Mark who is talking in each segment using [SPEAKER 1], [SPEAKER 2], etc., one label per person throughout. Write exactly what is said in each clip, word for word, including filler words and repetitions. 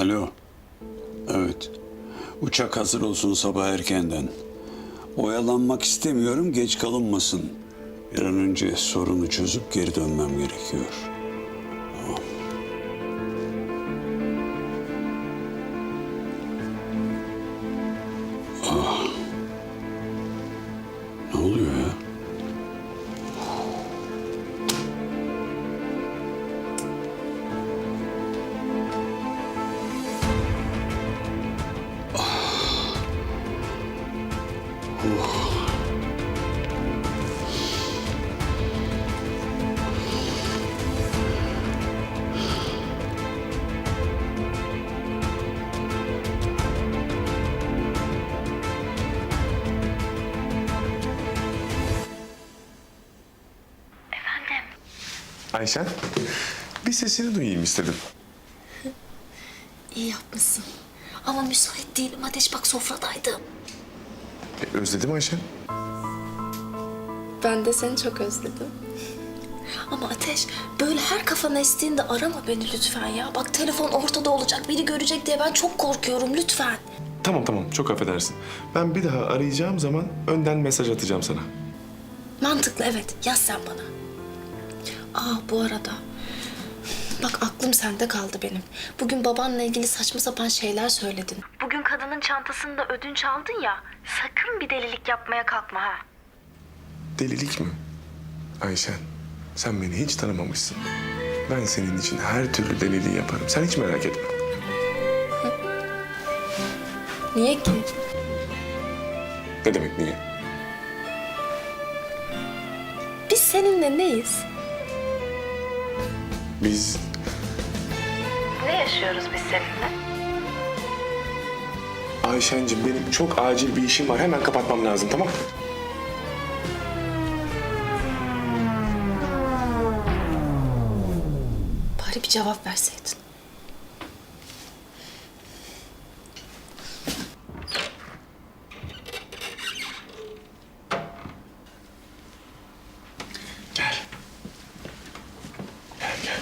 [SPEAKER 1] Alo. Evet. Uçak hazır olsun sabah erkenden. Oyalanmak istemiyorum, geç kalınmasın. Bir an önce sorunu çözüp geri dönmem gerekiyor. Tamam. Ah. Ne oluyor ya?
[SPEAKER 2] Ayşen, bir sesini duyayım istedim.
[SPEAKER 3] İyi yapmışsın. Ama müsait değilim. Ateş bak sofradaydım.
[SPEAKER 2] E, özledim Ayşen.
[SPEAKER 3] Ben de seni çok özledim. Ama Ateş böyle her kafana estiğinde arama beni lütfen ya. Bak telefon ortada olacak, biri görecek diye ben çok korkuyorum lütfen.
[SPEAKER 2] Tamam tamam, çok affedersin. Ben bir daha arayacağım zaman önden mesaj atacağım sana.
[SPEAKER 3] Mantıklı evet, yaz sen bana. Aa bu arada bak aklım sende kaldı benim. Bugün babanla ilgili saçma sapan şeyler söyledin. Bugün kadının çantasında ödünç aldın ya. Sakın bir delilik yapmaya kalkma ha.
[SPEAKER 2] Delilik mi? Ayşen, sen beni hiç tanımamışsın. Ben senin için her türlü deliliği yaparım. Sen hiç merak etme.
[SPEAKER 3] Niye ki?
[SPEAKER 2] Ne demek niye?
[SPEAKER 3] Biz seninle neyiz?
[SPEAKER 2] Biz
[SPEAKER 3] Ne yaşıyoruz biz seninle?
[SPEAKER 2] Ayşen'cim benim çok acil bir işim var. Hemen kapatmam lazım, tamam mı?
[SPEAKER 3] Bari bir cevap verseydin.
[SPEAKER 2] Gel. Gel gel.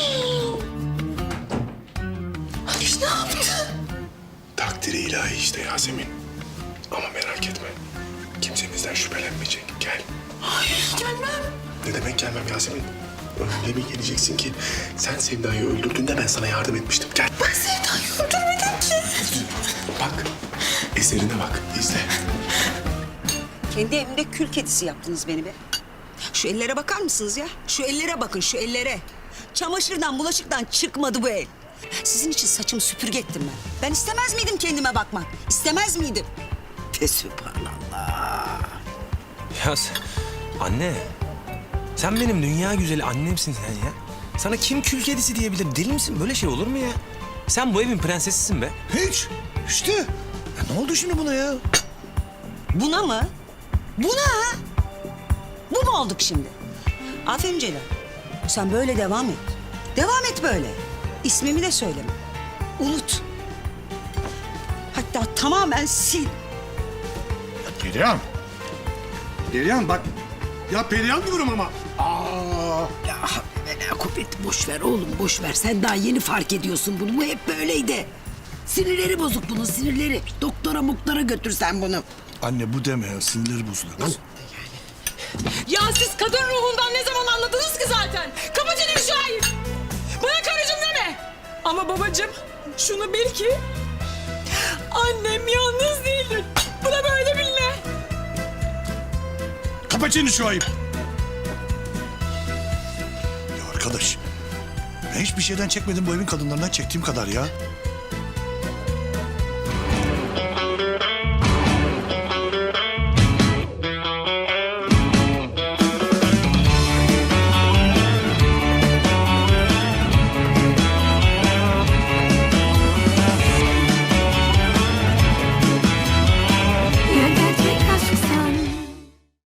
[SPEAKER 3] Ateş ne yaptı?
[SPEAKER 2] Takdiri ilahi işte Yasemin. Ama merak etme. Kimse bizden şüphelenmeyecek. Gel.
[SPEAKER 3] Hayır gelmem.
[SPEAKER 2] Ne demek gelmem Yasemin? Öyle bir geleceksin ki sen Sevda'yı öldürdüğünde ben sana yardım etmiştim. Gel.
[SPEAKER 3] Ben Sevda'yı öldürmedim ki.
[SPEAKER 2] Bak. Eserine bak. İzle.
[SPEAKER 4] Kendi evimde kül kedisi yaptınız beni be. Şu ellere bakar mısınız ya? Şu ellere bakın, şu ellere. Çamaşırdan, bulaşıktan çıkmadı bu el. Sizin için saçımı süpürge ettim ben. Ben istemez miydim kendime bakmak? İstemez miydim? Fesübhanallah.
[SPEAKER 5] Ya sen- anne, sen benim dünya güzeli annemsin sen ya. Sana kim kül kedisi diyebilir? Deli misin? Böyle şey olur mu ya? Sen bu evin prensesisin be.
[SPEAKER 6] Hiç. İşte. Ya ne oldu şimdi buna ya?
[SPEAKER 4] Buna mı? Buna? Bu mu olduk şimdi? Aferin Celal. Sen böyle devam et. Devam et böyle. İsmimi de söyleme. Unut. Hatta tamamen sil.
[SPEAKER 6] Perihan. Perihan bak. Ya Perihan diyorum ama. Aa.
[SPEAKER 7] Ya Bela kuvvet boş ver oğlum boş ver. Sen daha yeni fark ediyorsun bunu. Bu hep böyleydi. Sinirleri bozuk bunun sinirleri. Doktora muktora götürsen bunu.
[SPEAKER 6] Anne bu deme ya. Sinirleri bozulur. Lan.
[SPEAKER 8] Ya siz kadın ruhundan ne zaman anladınız ki zaten? Kapatın Şahin. Bana karıcığım deme. Ama babacığım şunu bil ki annem yalnız değildir. Buna böyle bilme.
[SPEAKER 6] Kapa çeneni şu ayıp. Ya arkadaş. Ben hiçbir şeyden çekmedim bu evin kadınlarından çektiğim kadar ya.